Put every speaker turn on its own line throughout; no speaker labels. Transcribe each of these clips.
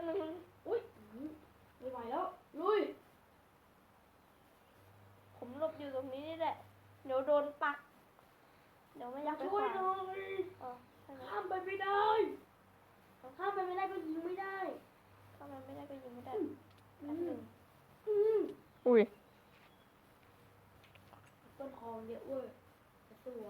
บนึง
อุ้ยไม่ไหวแล้วลุย
ผมหลบอยู่ตรงนี้นี่แหละเดี๋ยวโดนปักเดี๋ยวไม่อยากไป
ช่วยหน่อย
ใช่ไหม
ข้ามไปไม่ได้ข้ามไปไม่ได้ก็ยิงไม่ได้
เข้ามาไม่ได้ก็ยิงไม่ได้
อื
แป๊บ
ม
หนึง
อืม
อุ้ย
ต้นคอเยอะเว้ยตัว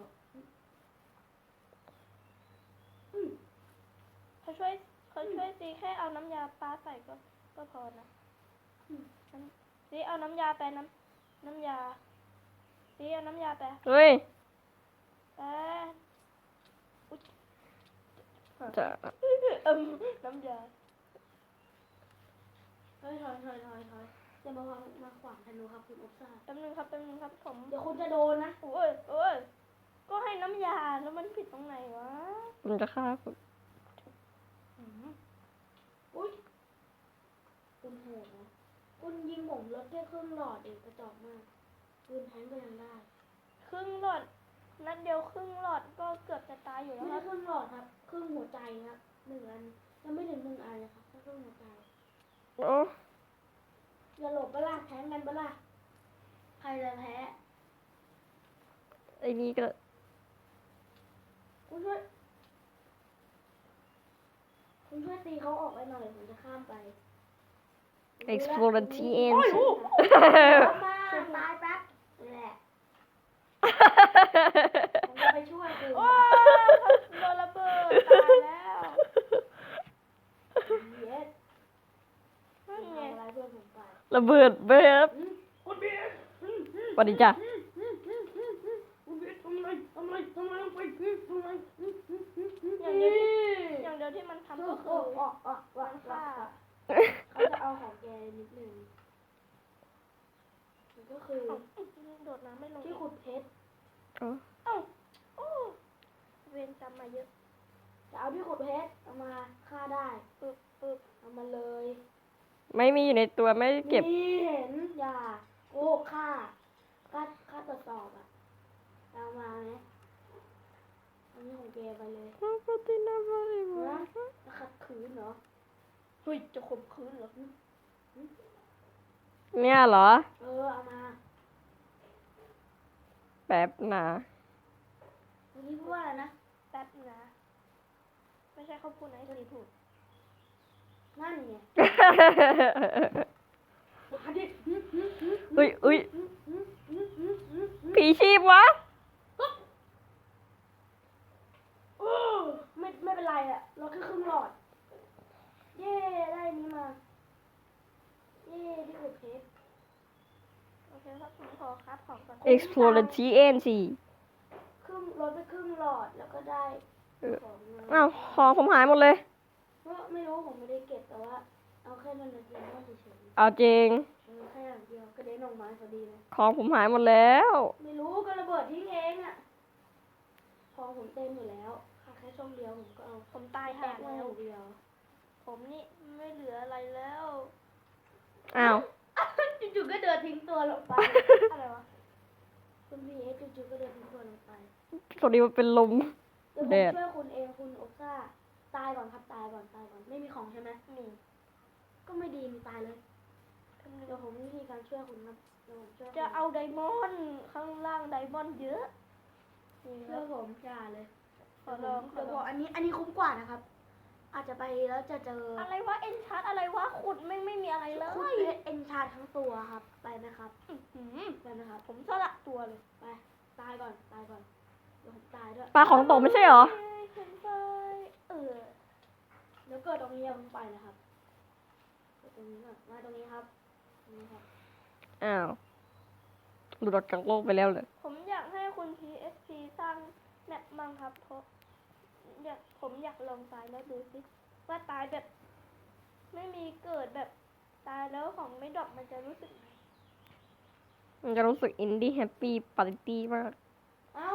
เขาช่วยตีแค่เอาน้ำยาปลาใส่ก็พอนะตีเอาน้ำยาไปน้ำยาตีเอาน้ำยาไป
เฮ้ย
ไปอุ๊ย
จะ
น้ำยา
ถอยจะมาขวางธนูครับคุณอบซ่า
แป๊บนึงครับผม
เดี๋ยวคุณจะโดนนะ
โอ้ยก็ให้น้ำยาแล้วมันผิดตรงไหนวะ
ผมจะฆ่าคุณ
อุ้ยคุณโหดนะคุณยิงผมรถแค่ครึ่งหลอดเองกระจอกมากปืนแทงก็ยังได้
ครึ่งหลอดนัดเดียวครึ่งหลอดก็เกือบจะตายอยู่แล้ว
ไม่
ค
ใช่
รับ
ครึ่งหลอดครับครึ่งหัวใจครับ1 อันยังไม่ถึง1 อันเลยครับแค่ครึ่งหัวใจ
โอ้
อย่าหลบเปล่าแทงกันเปล่าใครจะแพ้
ไอ้นี่ก็
คุณช่วยตีเขาออกไปหน่อยผมจะข้ามไป
explore the TN
เข้ามาตายแป๊บนี่แหละผมจะไปช่วยคุณ
โอ้ยโดนระเบิดตายแล้ว
เย็ด
นั่นไง
ทำอะไรเพื่อนผมไป
ระเบิดเบิด
คุณเบียร์
สวัสดีจ้ะ
คุณเบียร์ทำอะไรลงไปทำไม
อย่างเดียวที่มันทำก็คือมันฆ่า
เขาจะเอาของแกนิดนึงมันก็คือ
โดดน้ำไม่ลง
ที่ขุดเพชร
อ๋อ
เอ้าโอ้เวรจำมาเยอะ
จะเอาที่ขุดเพชรเอามาฆ่าได้
ปึ๊บ
เอามาเลย
ไม่มีอยู่ในตัวไม่ได้เก็บ
นี่เห็นอย่าโอ้ฆ่าตรวจสอบอ่ะเอามาไหมอันนี้ของแกไปเลยนะจะขัดขืนเหรอ
เฮ้ยจะข่มขืนเหรอ
เนี่ยเหรอ
เอามา
แป๊บนะ
เมื่อกี้พูดว่าอะไรนะ
แป๊บนะไม่ใช่เขาพูดนะไอ้ทีพูด
นั่นไงมาดิ
อุ้ยผีชีพวะ
โอ้ไม่เป็นไรอะเราแค่ครึ่งหลอด เย้ได้อันนี้มา เย้ที่ขุดเพชร
โอเคครับผมขอคัดของก่อน
explore the TN สิ
ลดไปครึ่งหลอดแล้วก็ได้ของมา
อ้าวของผมหายหมดเลย
ก็ไม่รู้ผมไม่ได้เก็บแต่ว่า เอาแค่นั้นนะเดียวเฉย
เอาจริง
แค่อย่างเดียวกระเด็นออกมาพอดีเลย
ของผมหายหมดแล้ว
ไม่รู้ก็ระเบิดทิ้งเองอะของผมเต็มอยู่แล้วค่ะแค่ช่องเดียวผมก็เอา
ผมตาย
แต
ห่าก
มา
แล้
อ
ว
ย่างเดียว
ผมนี่ไม่เหลืออะไรแล้ว
อ้าว
จู่ๆก็เดินทิ้งตัวลงไป
อะไรวะ
คุณพีเอสจู่ๆก็เดินทิ้งตัวลงไป
พอดีมันเป็นลม
เดี๋ยวผม
แดด
ช่วยคุณเองคุณโอซ่าตายก่อนครับตายก่อนไม่มีของใช่ไหม
นี่
ก็ไม่ดีมีตายเลยเดี๋ยวผมวิธีการช่วยคุณครับเดี๋ยวผมช่วยคุณ
จะเอาไดมอนด์ข้างล่างไดมอนด์เยอะนี่ค
ช่
รั
วย
บ
ผมอย่าเลย
ขอลอง
เดี๋ยวบอกอันนี้คุ้มกว่านะครับ อาจจะไปแล้วจะเจอ
อะไรวะเอ็นชาร์ตอะไรวะขุดไม่มีอะไรเลย
คุณเพชรเอ็นชาร์ทั้งตัวครับไปไหมครับ
อื้อหือ
ไปไหมครับ
ผมสละตัวเลย
ไปตายก่อนเดี๋ยวผมตายด้วย
ปลาของตกไม่ใช่เหรอ
ผมไปเออ
เดี๋ยวเกิดตรงนี้อย่าเพิ่งไปนะครับเกิดตรงนี้ก่อนมาตรงนี้ครับตรงนี้ครับ
อ้าวหลุดออกจากโลกไปแล้วเลย
ผมอยากให้คุณ PSP สร้างแมปมั่งครับเพราะผมอยากลองตายแล้วดูสิว่าตายแบบ ไม่มีเกิดแบบตายแล้วของไม่ดรอปมันจะรู้สึกไง
มันจะรู้สึกอินดี้แฮปปี้ปาร์ตี้มาก
เอ้า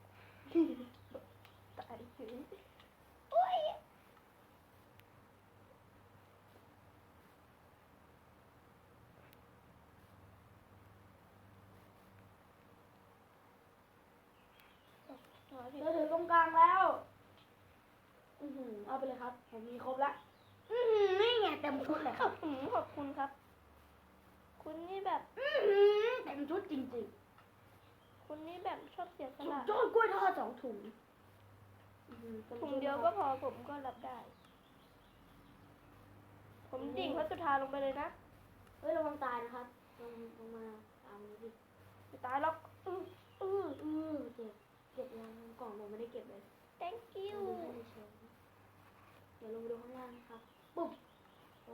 ตายเฉยโอ้ยมาดิ
เราถึงตรงกลางแล้วเอาไปเลยครับผมมีครบละนี่ไงเต็ต็มชุดเลยครับ
ขอบคุณครับ คุณนี่แบบ
เต็มชุดจริง
คุณนี่แบบชอบเสียส
ๆสุด
ละ
ยอดกล้วยทอด2 ถุงต็ม
ถุง
ชุ
เดียว
นะค
ก็
รับ
พอผมก็รับได้ ผมดิ่งพระสุธาลงไปเลยนะ
เฮ้ยระวังตายนะครับลงมาตามนี้ดิ
ไม่ตายหรอก
เก็บยังกล่องผมไม่ได้เก็บเลย
thank you
เดี๋ยวลงไปดูข้างล่างนะครับปุ๊บโอ้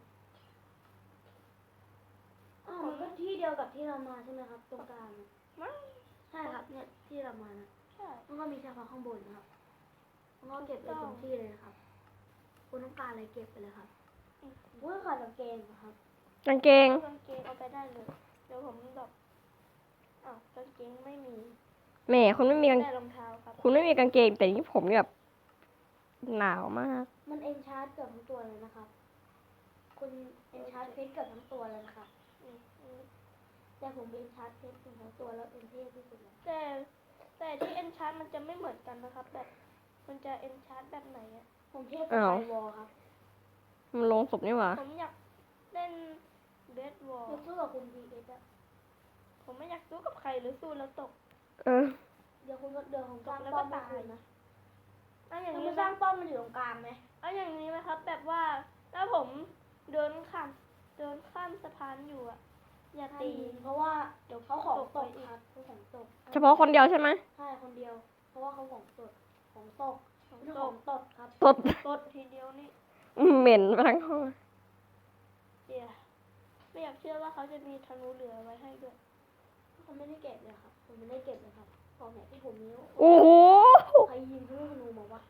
อ้าวมันก็ที่เดียวกับที่เรามาใช่ไหมครับ ตรงกลางน่ะ
มั้ง
ใช่ครับเนี่ยที่เรามานะ
ใช่
มันก็มีเฉพาะข้างบนนะครับมันก็เก็บไปตรงที่เลยนะครับคุณต้องการอะไรเก็บไปเลยครับอุ้ยขาดกางเกงเหรอครับ
กางเกง
กางเกงเอาไปได้เลย เดี๋ยวผมแบบอ้าวกางเกงไม่มี
แหม่คุณไม่มีกาง
ได้รองเท้าครับ
คุณไม่มีกางเกง แต่นี่ผมแบบหนาวมาก
มันเอนชาร์จเกือบทั้งตัวเลยนะครับคุณเอนชาร์จเพชรเกือบทั้งตัวเลยนะครับ
อืม
แต่ผมเอนชาร์จเพชรทั้งตัวแล้วเป็นเท่ที่สุดเลย
แต่ที่เอนชาร์ มันจะไม่เหมือนกันนะครับ แบบ มันจะเอนชาร์ แบบไหนอะ
ผมเท่กับ
อ้าว
ไอวอลครับ
มันลงศพนี่หว่า
ผมอยากเล่นเบสบอล
ยกสู้กับคุณพีเอสอะ
ผมไม่อยากสู้กับใครหรือสู้แล้วตก
เออ
เดี๋ยวผมสร้าง
แล้ว
ป้
ก็
อมให้
ตาย
คุณนะ
เอาอย่าง
ถ้า
นี้
มา
ไห
ส
ม
ร้างป้อมมันอยู่ตรงกลางไหม
เอาอย่างนี้ไหมครับ แบบว่าถ้าผมเดินข้ามสะพานอยู่อะอย่าตี
เพราะว่าเดี๋ยวเขาของตกครับเขาของตก
เฉพาะคนเดียวใช่ไหม
ใช่คนเดียว เพราะว่าเขาของตกของตก
ของ
ไม่ใช่
ต
ข
ก
องตดครับ
ตด
ตดทีเดียวนี่
เหม็นไปทั้งห้อง
เดี๋ยวไม่อยากเชื่อว่าเขาจะมีธนูเหลือไว้ให้ด้วย
เขาไม่ได้เก็บเลยครับผมไม่ได้เก็บเลยครับของไหนที่ผมมี
โอ้โห
ใครยิงลูกธนูมาวะ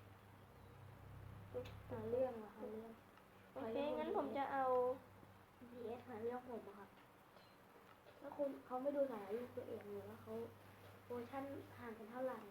หาเรื่องอะหาเรื่อง
โอเค งั้นผมจะเอา
PS หาเรื่องผมอะครับแล้วคุณเขาไม่ดูสายลูกตัวเองเลยว่าเขาเวอร์ชันห่างกันเท่าไหร่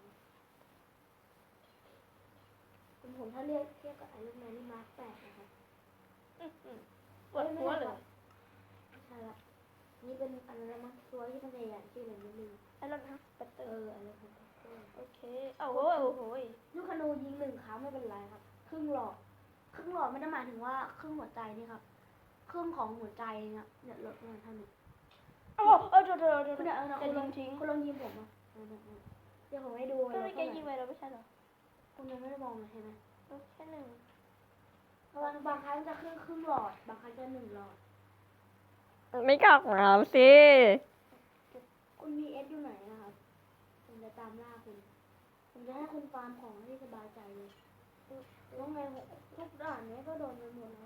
ผมถ้าเรียกเทียบกับไอรอนแมนนี่มาร์ค8นะครับ
ปวดหัวเลย
ไม่ใช่ละนี่เป็นอะไรนะมั้งตัวที่มันใหญ่ๆชื่ออะไรไม่รู้
ไอ้รถฮัสเปเตอร์
อะไรของเขา
โอเคเอาโหยโอ้โหย
ลูกธนูยิง1 ครั้งไม่เป็นไรครับ ครึ่งหลอดไม่ได้หมายถึงว่าครึ่งหัวใจนี่ครับ ครึ่งของหัวใจเนี่ยลดลงเท่านี้
โอ้เดี๋ยว
คุณเดี๋ยวเอานะ
จะ
คุณล
ยิ
อง
งทิ้ง
คุณลองยิงผมอ่ะเดี๋ยวผมให้ดู
ก็
เล
ไม่
ย
แกยิงไปแล้วไม่ใช่เหรอ
คุณยังไม่ได้มองเลยใช่ไหม
แค่หนึ่ง
บางครั้งจะครึ่งหลอด บางครั้งจะ1 หลอด
ไม่กลับมาสิ
คุณมีเอสอยู่ไหนนะครับผมจะตามล่าคุณ ผมจะให้คุณฟาร์มของให้สบายใจเลยแล้วไงทุกด่านเนี้ยก็โดนไปหมดแล้ว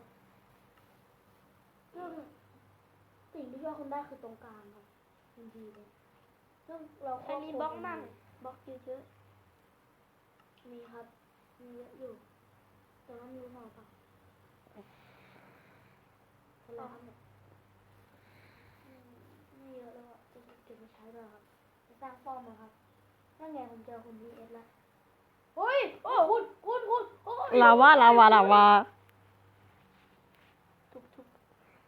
ซึ่งสิ่งที่ช่วยคุณได้คือตรงกลางครับทันทีเลยซึ่งเรา
อันนี้บล็อกมั่งบล็อกเยอะ
มีครับ มีเยอะอยู่ แต่ว่ามีพอปะอะไรครับเนี่ยไม่เยอะแล้วอะจะเก็บไปใช้ด้วยครับจะสร้างป้อมนะครับนั่นไงผมเจอคุณ VS แล้วเฮ้ยโอ้คุณโอ้ย
ลาวา
ๆทุบ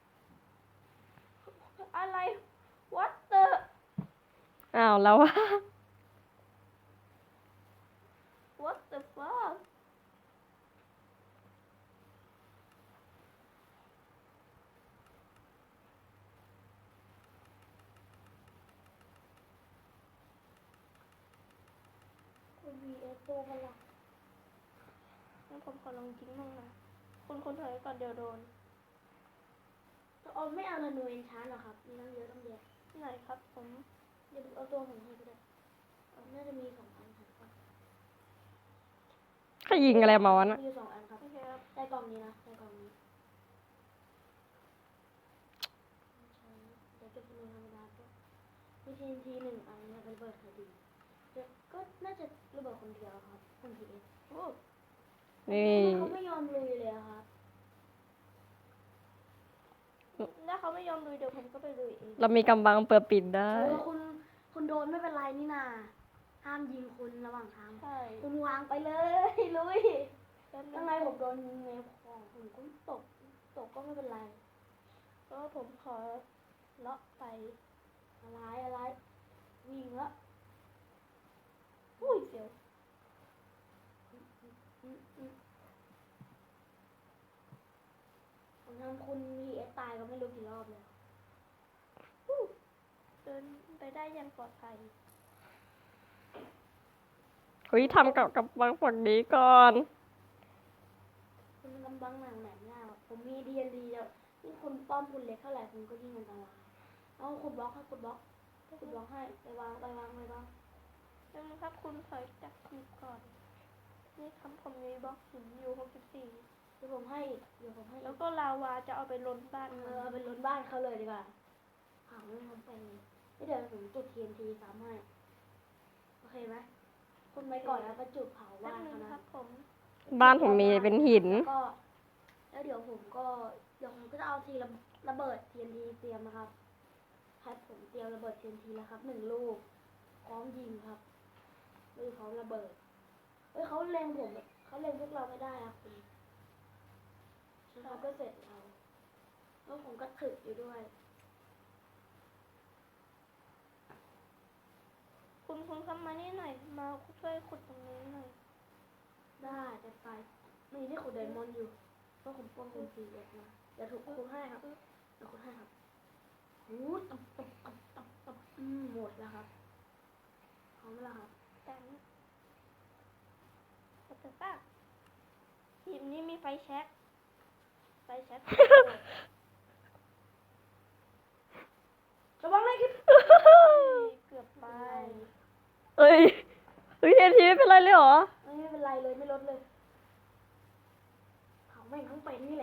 อะไร what the
อ้าวแล้วว่า
what the fuck
คุณ VS ตัวพลัง
งั้นผมขอลองยิงมั่งนะคุณถอยก่อนเดี๋ยวโดน
เอาไม่เอาธนูเอนชาร์หรอครับ มีตั้งเยอะตั้งเยอะ
ไหนครับผม
เดี๋ยวเอาตัวผมให้ก็ได้น่าจะมี2 อันครับ
ใครยิงอะไรมาวะน่ะ
มีอยู่2 อันครับ
โอเคครับ
ได้กล่องนี้นะได้กล่องนี้เดี๋ยวเก็บธนูธรรมดาก็มีTNT 1 อันเนี่ยเป็นระเบิดคดีเดี๋ยวก็น่าจะระเบิดคนเดียวครับคุณ PS
โอ้
นี่
เขาไม่ยอมลุยเลยอะครับ
ถ้าเขาไม่ยอมลุยเดี๋ยวผมก็ไปลุยเอง
เรามีกำบังเปิดปิดได้
คุณโดนไม่เป็นไรนี่นาห้ามยิงคุณระหว่างทาง
ใช่
คุณวางไปเลยลุย
แป๊บนึ
ยัง
ง
ไงผมโดนยิงในของผมก็ตกก็ไม่เป็นไร
ก็ผมขอเลาะไป
อะไรวิ่งแล้ว
อุ้ยเสียว
อืมทำคุณพีเอสตายก็ไม่รู้กี่รอบเลย
เดินไปได้อยังปลอดภัย
เฮ้ยทำกับบังฝั่งนี้ก่อน
คุณกำบังหนังไหนไม่ได้หรอกผมมีดีเอ็นดีแล้วยิ่งคุณป้อมคุณเล็กเท่าไหร่คุณก็ยิ่งอันตรายเอาคุณบล็อกให้คุณบล็อกให้ไปวาง
ยังครับคุณถอยจากขีดก่อน นี่ครับผมมีบล็อกหินอยู่64
เดี๋ยวผมให้อีก
แล้วก็ลาวาจะเอาไปล้นบ้านมัน
เอาไปล้นบ้านเขาเลยดีกว่าหาไม่ทำไปไม่เดี๋ยวผมจุด TNT ซ้ำให้โอเคไหมคุณไว้ก่อนแล้วก็จุดเผา
แป๊บ
บ้าน
นึง
เขานะครับ
ผม
บ้านผมมีเป็นหิน
แล้วเดี๋ยวผมก็จะเอาทีระเบิด TNT เตรียมนะครับครับผมเตรียมระเบิด TNT แล้วครับ1 ลูกพร้อมยิงครับไม่พร้อมระเบิดเขาเล็งพวกเราไม่ได้ครับคุณเราก็เสร็จแล้วผมก็ถึกอยู่ด้วย
คุณเข้ามานี่หน่อย มาช่วยขุดตรงนี้หน่อย
ได้แต่ไปมีที่ขุดไดมอนด์อยู่เพราะผมป้องคุณสีเอ็ดมาเดี๋ยวถูกคุณให้ครับเดี๋ยวคุณให้ครับหูตับหมดแล้วครับพร้อมแล้วครับ
แต่แต่ป้าทีมนี้มีไฟแช็ก
ระวังเลยครับ
เกือบไป
เอ้ยเฮ้ยเทนทีไม่เป็นไรเลยเหรอ
ไม่เป็นไรเลยไม่ลดเลยเขาแม่งทั้งเป็นนี่แหละ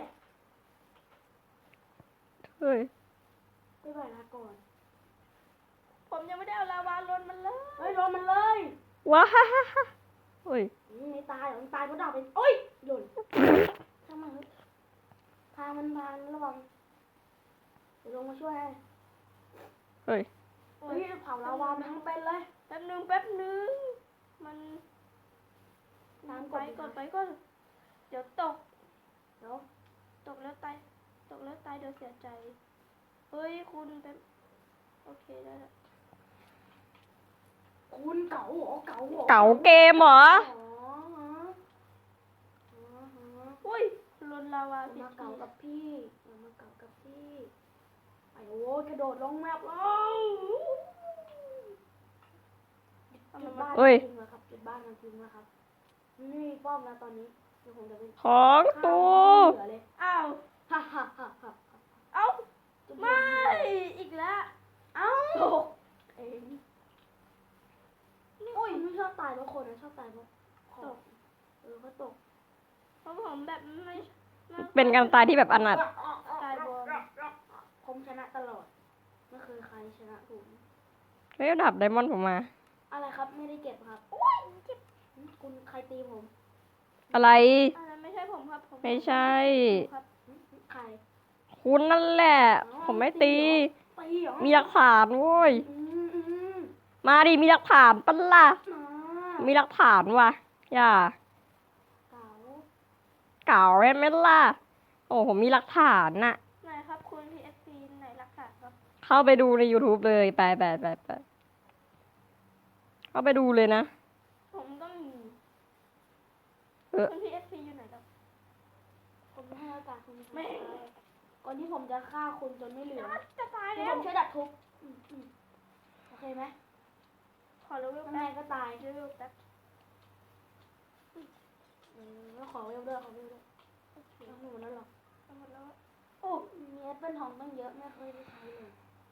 เฮ้ย
ไม่ไหวละก่อน
ผมยังไม่ได้เอาลาวาล้นมันเลย
เฮ้ยลงมันเลย
ว้าฮ่าฮ่าฮ่าเฮ้ย
ไม่ตายหรอกมันตายเพราะดาบเป็นโอ้ยหล่นช่างมันเถอะพามันระวังเดี๋ยวลงมาช่วยให้
เฮ้ย
เฮ้ยเผาลาวามันทั้งเป็นเลย
แป๊บนึง มัน
น้ำ
ไปก่อน เดี๋ยวตก
เดี๋ยว
ตกแล้วตาย เดี๋ยวเสียใจ เฮ้ยคุณเป็นโอเคได้แล้ว
คุณเก๋าเหรอเก๋าเหรอ
เก๋าเกมเหรอ
อุ้ยล้นลาวา
อย่า
ผิด
มาเก๋า
ที
กับพี่ไอ้โว้ยกระโดดลงแมปแล้วจุดบ้าน
เฮ้ย
ทิ้งแล้วครับจุดบ้านมันทิ้งแล้วครับนี่มีป้อมแล้วตอนนี้เดี๋ยวผมจะไป
ของตู
เหลือเลย
อ้าว
ฮ่าฮ่าฮ่าฮ่า
เอ้า
จุด
ไม่ อีกแล้ว
เอ้าตกเองโอ้ยไม่ชอบตายเพราะคนนะชอบตายเพราะของเขาตก
เพราะผมแบบไม่
เป็นการตายที่แบบอนาถ
ตายบน
ผมชนะตลอดไม่เคยใครชนะผม
เฮ้ยดับไดมอนด์ผมมา
อะไรครับไม่ได้เก็บครับคุณใครตีผม
อะไร
อันนั้นไม่ใช่ผมครับผม
ไม่ใช่
ครับ
ใคร
คุณนั่นแหละ ผมไม่ตี
ตีเหรอ
มีหลักฐานโว้ย
อืม
มาดิ มีหลักฐานปะล่ะ
มา
มีหลักฐานว่ะ อย่า
เก๋า
เก่าใช่ไหมล่ะ โอ้ผมมีหลักฐานน่ะ
ไหนครับคุณ PSC ไหนหลักฐานครับ
เข้าไปดูใน YouTube เลย ไปเข้าไปดูเลยนะ
ผมก็มี
เออ
คุณ PSC อยู่ไหนครับ
ผมไม่ให้โอกาสคุณ
ไม่
ก่อนที่ผมจะฆ่าคุณจนไม่เหลือ
จะตาย
เดี๋ยว
แล้
ผ
ว
มช่วยดับทุกข์โอเคไหม
ขอเลเวล
ทำไม
แป๊บ
ก็ตาย
เลเวลแป๊บ
แล้วขอเวลด้วยเอาหนูแล้วหรอ
เอาหมดแล้ว
โอ้มีแอปเปิลทองตั้งเยอะไม่เคยได้ใช้เลย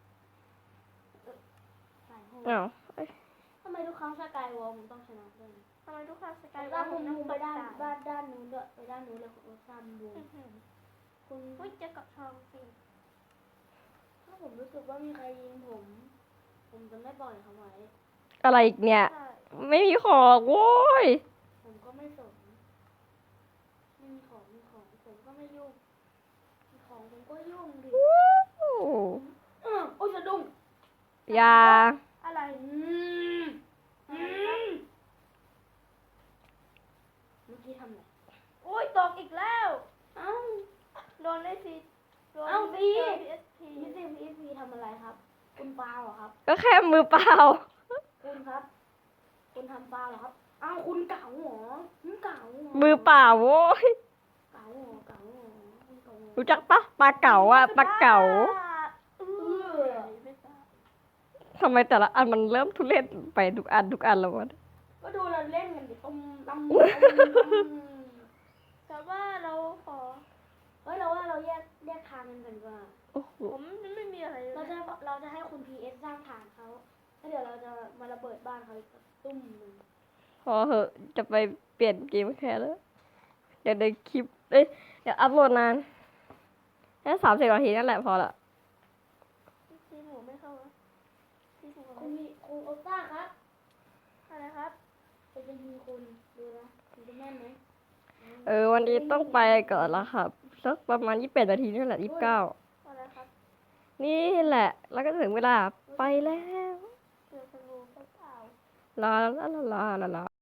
ใส่ห้อง
อ้าว
ทำไมทุกครั้งสกายวอลผมต้องชนะด้วย
ทำไมทุกครั้งสกาย
ด้านมุมไปด้าน
ตาย
ด้านนู้นด้วยไปด้านนู้นเลยของซ้ำบู
อื้อหือ
คุณ
อุ้ยเจะกับทองสิ
ถ้าผมรู้สึกว่ามีใครยิงผมจะไม่ปล่อยเขาไว้
อะไรอีกเนี่ย
ใช่
ไม่มีของโว้ย
ผมก็ไม่สนไม่มีของผมก็ไม่ยุ่งมีของผมก็ยุ่งดิ โอ้ยสะดุ้ง
อย่า
อะไร
เมื่อกี้ทำอะไร
อุ้ยตกอีกแล้ว
เอ้า
โดนได้สิโดน
เอ้าสิ
PSP
พี่ซีพีทำอะไรครับ คุณปาเหรอครับ
ก็แค่มือเปล่า
คุณครับ คุณทำปาเหรอครับอ้าวคุณเก่าเหรอเก่าเหรอ
มือเปล่าโว้ย
เก่าเหรอคุณเก่าเหรอ
รู้จักปะปลาเก๋าอะปลาเก๋า
เออไม่ทราบ
ทำไมแต่ละอันมันเริ่มทุเรศไปทุกอันแล้ววะ
ก็ดูเราเล่นกันดิตำ
แต่ว่าเราขอ
เฮ้ยเราว่าเราแยกทางกันดีกว่า
โอ้โห
ผมไม่มีอะไรเลย
เราจะให้คุณ PS สร้างฐานเขาแล้วเดี๋ยวเราจะมาระเบิดบ้านเขาอีกตุ้มหนึ่ง
พอเหอะจะไปเปลี่ยนเกมแค่แล้วเดี๋ยวในคลิปเอ้ยเดี๋ยวอัพโหลดนานแค่30 นาทีนั่นแหละพอละ
ทีหมูไม่เข้าอะทีหมู
คุณโอต้าครับ
อะไรครับ
จะยิงคุณดูนะคุณจะแม่นไหม
วันนี้ต้องไปก่อนละครับสักประมาณ28 นาทีนี่แหละ29
อะไรครับ
นี่แหละ แล้วก็ถึงเวลาไปแล้ว
เจอสงูเปล่า
ลาลาลาลาลา